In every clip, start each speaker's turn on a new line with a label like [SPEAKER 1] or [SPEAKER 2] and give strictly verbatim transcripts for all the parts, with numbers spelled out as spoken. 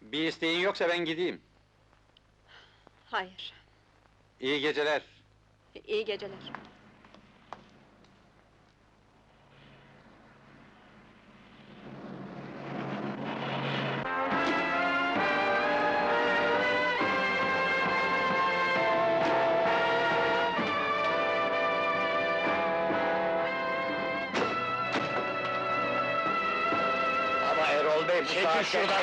[SPEAKER 1] Bir isteğin yoksa ben gideyim.
[SPEAKER 2] Hayır,
[SPEAKER 1] İyi geceler.
[SPEAKER 2] iyi geceler.
[SPEAKER 3] Ama Erol Bey, bu saatte... şuradan!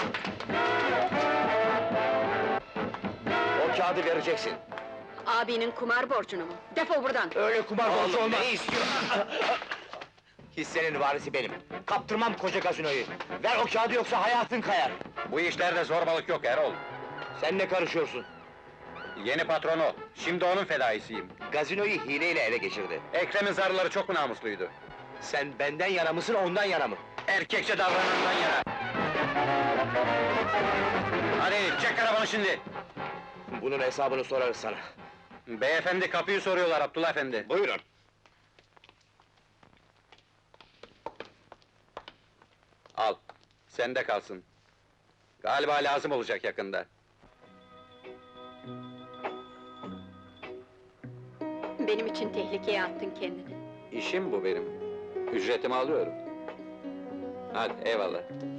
[SPEAKER 3] O kağıdı vereceksin.
[SPEAKER 2] Abinin kumar borcunu mu? Defol buradan!
[SPEAKER 3] Öyle kumar borcu
[SPEAKER 4] Oğlum,
[SPEAKER 3] olmaz!
[SPEAKER 4] ne istiyor?
[SPEAKER 3] Hissenin varisi benim. Kaptırmam koca gazinoyu. Ver o kağıdı yoksa hayatın kayar.
[SPEAKER 1] Bu işlerde zorbalık yok Erol.
[SPEAKER 3] Sen ne karışıyorsun?
[SPEAKER 1] Yeni patron o. Şimdi onun fedaisiyim.
[SPEAKER 3] Gazinoyu hileyle ele geçirdi.
[SPEAKER 1] Ekrem'in zarları çok mu namusluydu?
[SPEAKER 3] Sen benden yana mısın, ondan yana mı?
[SPEAKER 1] Erkekçe davranandan yana. Hadi çek arabanı şimdi.
[SPEAKER 3] Bunun hesabını sorarız sana.
[SPEAKER 1] Beyefendi kapıyı soruyorlar Abdullah efendi.
[SPEAKER 3] Buyurun.
[SPEAKER 1] Al, sende kalsın. Galiba lazım olacak yakında.
[SPEAKER 2] Benim için tehlikeye attın kendini.
[SPEAKER 1] İşim bu benim. Ücretimi alıyorum. Hadi eyvallah.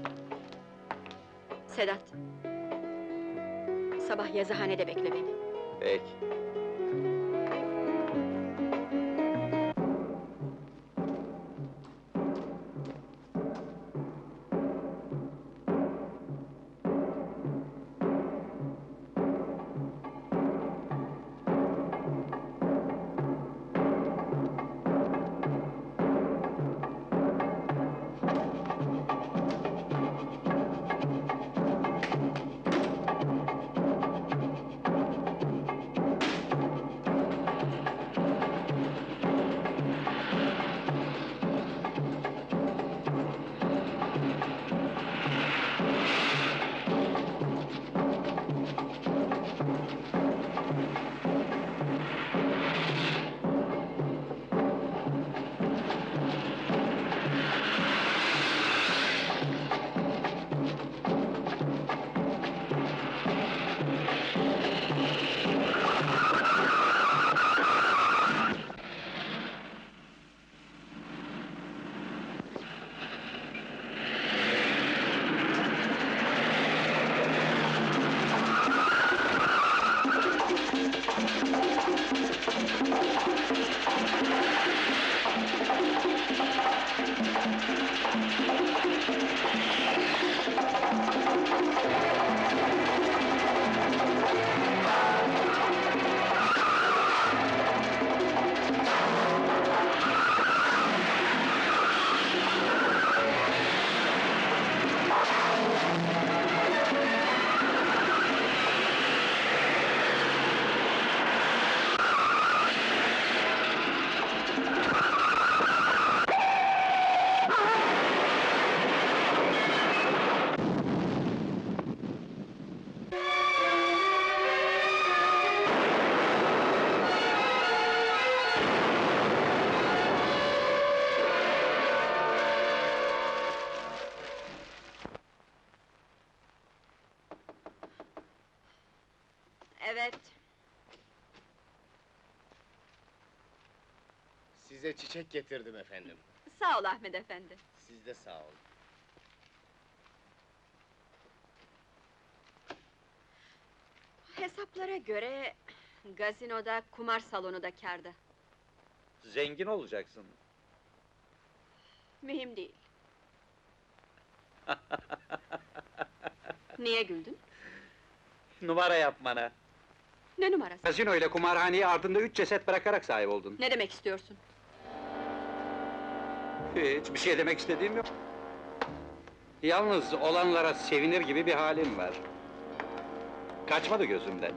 [SPEAKER 2] Sedat! Sabah yazıhanede bekle beni.
[SPEAKER 1] Peki.
[SPEAKER 2] Evet.
[SPEAKER 4] Size çiçek getirdim efendim.
[SPEAKER 2] Sağ ol Ahmet efendi.
[SPEAKER 4] Siz de sağ olun.
[SPEAKER 2] Hesaplara göre... gazinoda, kumar salonu da kârda.
[SPEAKER 1] Zengin olacaksın.
[SPEAKER 2] Mühim değil. Niye güldün?
[SPEAKER 1] Numara yapmana.
[SPEAKER 2] Ne numarası?
[SPEAKER 1] Gazino ile kumarhaneyi ardında üç ceset bırakarak sahip oldun.
[SPEAKER 2] Ne demek istiyorsun?
[SPEAKER 1] Hiç bir şey demek istediğim yok. Yalnız olanlara sevinir gibi bir halim var. Kaçmadı gözümden.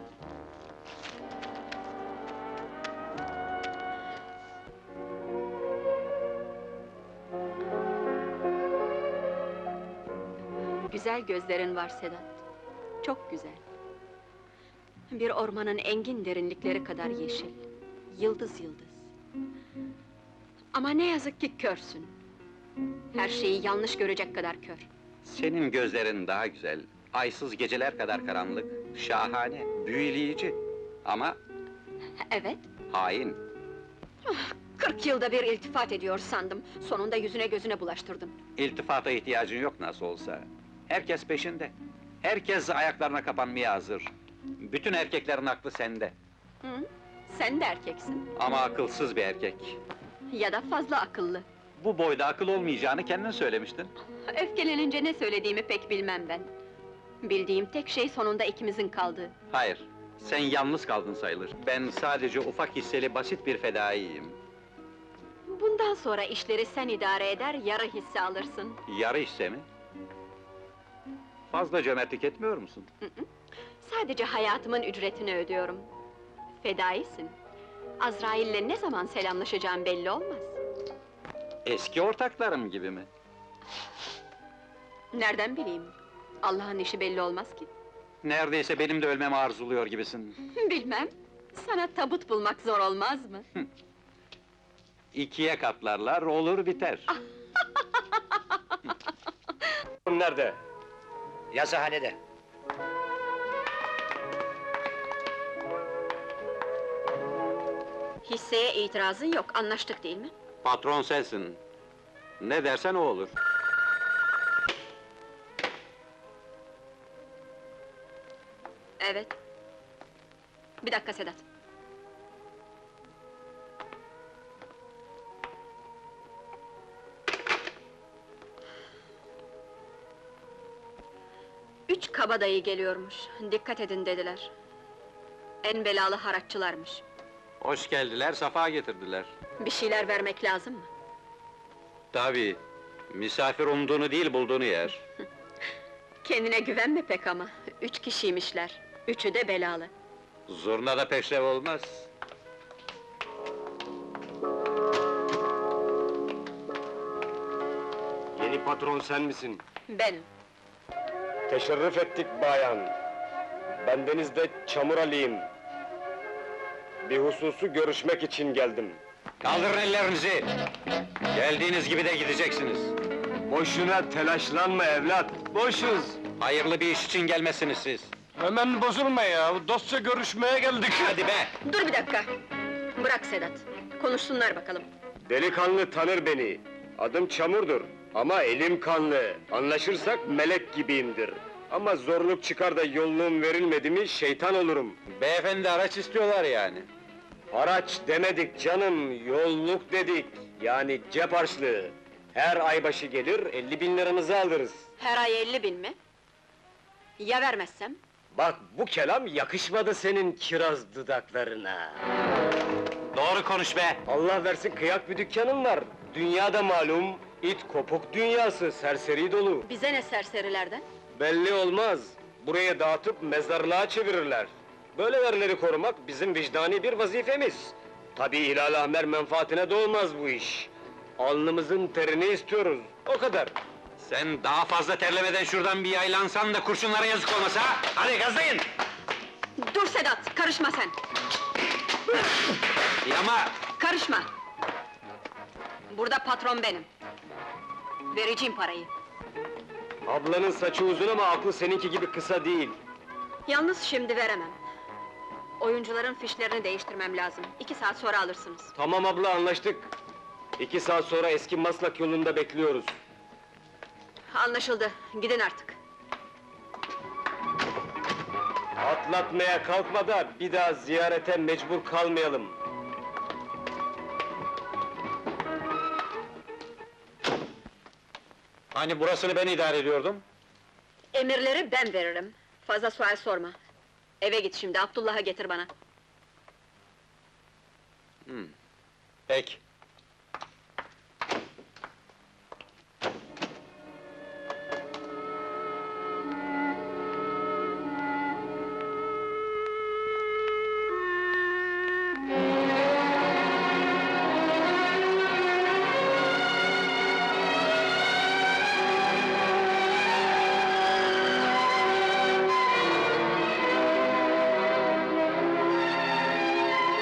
[SPEAKER 2] Güzel gözlerin var Sedat. Çok güzel. Bir ormanın engin derinlikleri kadar yeşil. Yıldız yıldız. Ama ne yazık ki körsün. Her şeyi yanlış görecek kadar kör.
[SPEAKER 1] Senin gözlerin daha güzel, Aysız geceler kadar karanlık, şahane, büyüleyici. Ama
[SPEAKER 2] Evet,
[SPEAKER 1] hain.
[SPEAKER 2] kırk yılda bir iltifat ediyor sandım. Sonunda yüzüne gözüne bulaştırdın.
[SPEAKER 1] İltifata ihtiyacın yok nasıl olsa. Herkes peşinde. Herkes ayaklarına kapanmaya hazır. Bütün erkeklerin aklı sende.
[SPEAKER 2] Hı? Sen de erkeksin.
[SPEAKER 1] Ama akılsız bir erkek.
[SPEAKER 2] Ya da fazla akıllı.
[SPEAKER 1] Bu boyda akıl olmayacağını kendin söylemiştin.
[SPEAKER 2] Öfkelenince ne söylediğimi pek bilmem ben. Bildiğim tek şey sonunda ikimizin kaldığı.
[SPEAKER 1] Hayır, sen yalnız kaldın sayılır. Ben sadece ufak hisseli basit bir fedaiyim.
[SPEAKER 2] Bundan sonra işleri sen idare eder, yarı hisse alırsın.
[SPEAKER 1] Yarı hisse mi? Fazla cömertlik etmiyor musun?
[SPEAKER 2] Sadece hayatımın ücretini ödüyorum. Fedaisin. Azrail'le ne zaman selamlaşacağım belli olmaz.
[SPEAKER 1] Eski ortaklarım gibi mi?
[SPEAKER 2] Nereden bileyim? Allah'ın işi belli olmaz ki.
[SPEAKER 1] Neredeyse benim de ölmemi arzuluyor gibisin.
[SPEAKER 2] Bilmem. Sana tabut bulmak zor olmaz mı?
[SPEAKER 1] İkiye katlarlar, olur biter.
[SPEAKER 3] Nerede? Yazıhanede.
[SPEAKER 2] Hisseye itirazın yok, anlaştık değil mi?
[SPEAKER 1] Patron sensin. Ne dersen o olur.
[SPEAKER 2] Evet. Bir dakika Sedat. Üç kabadayı geliyormuş, dikkat edin dediler. En belalı haraççılarmış.
[SPEAKER 1] Hoş geldiler, safa getirdiler.
[SPEAKER 2] Bir şeyler vermek lazım mı?
[SPEAKER 1] Tabii, misafir umduğunu değil bulduğunu yer.
[SPEAKER 2] Kendine güvenme pek ama, üç kişiymişler. Üçü de belalı.
[SPEAKER 1] Zurna da peşrev olmaz.
[SPEAKER 3] Yeni patron sen misin?
[SPEAKER 2] Benim.
[SPEAKER 3] Teşerrüf ettik bayan. Bendeniz de Çamur Ali'yim. Bir hususu görüşmek için geldim.
[SPEAKER 1] Kaldırın ellerinizi! Geldiğiniz gibi de gideceksiniz.
[SPEAKER 3] Boşuna telaşlanma evlat, boşuz.
[SPEAKER 1] Hayırlı bir iş için gelmesiniz siz.
[SPEAKER 3] Hemen bozulma ya, dostça görüşmeye geldik.
[SPEAKER 1] Hadi be!
[SPEAKER 2] Dur bir dakika! Bırak Sedat, konuşsunlar bakalım.
[SPEAKER 3] Delikanlı tanır beni. Adım Çamur'dur. Ama elim kanlı. Anlaşırsak melek gibiyimdir. Ama zorluk çıkar da yolluğum verilmedi mi şeytan olurum.
[SPEAKER 1] Beyefendi araç istiyorlar yani.
[SPEAKER 3] Haraç demedik canım, yolluk dedik. Yani cep harçlığı. Her ay başı gelir, elli bin liramızı alırız.
[SPEAKER 2] Her ay elli bin mi? Ya vermezsem?
[SPEAKER 3] Bak bu kelam yakışmadı senin kiraz dudaklarına.
[SPEAKER 1] Doğru konuş be!
[SPEAKER 3] Allah versin kıyak bir dükkanım var. Dünyada malum, it kopuk dünyası, serseri dolu.
[SPEAKER 2] Bize ne serserilerden?
[SPEAKER 3] Belli olmaz. Buraya dağıtıp mezarlığa çevirirler. Böyleleri korumak bizim vicdani bir vazifemiz. Tabii hilal ahmer menfaatine de olmaz bu iş. Alnımızın terini istiyoruz, o kadar.
[SPEAKER 1] Sen daha fazla terlemeden şuradan bir yaylansan da kurşunlara yazık olmasa ha! Hadi gazlayın!
[SPEAKER 2] Dur Sedat, karışma sen!
[SPEAKER 1] Yama!
[SPEAKER 2] Karışma! Burada patron benim. Vereceğim parayı.
[SPEAKER 3] Ablanın saçı uzun ama aklı seninki gibi kısa değil.
[SPEAKER 2] Yalnız şimdi veremem. Oyuncuların fişlerini değiştirmem lazım. İki saat sonra alırsınız.
[SPEAKER 3] Tamam abla, anlaştık. İki saat sonra eski Maslak yolunda bekliyoruz.
[SPEAKER 2] Anlaşıldı, gidin artık.
[SPEAKER 3] Atlatmaya kalkma da bir daha ziyarete mecbur kalmayalım.
[SPEAKER 1] Hani burasını ben idare ediyordum?
[SPEAKER 2] Emirleri ben veririm. Fazla sual sorma. Eve git şimdi, Abdullah'ı getir bana.
[SPEAKER 1] Hmm. Peki.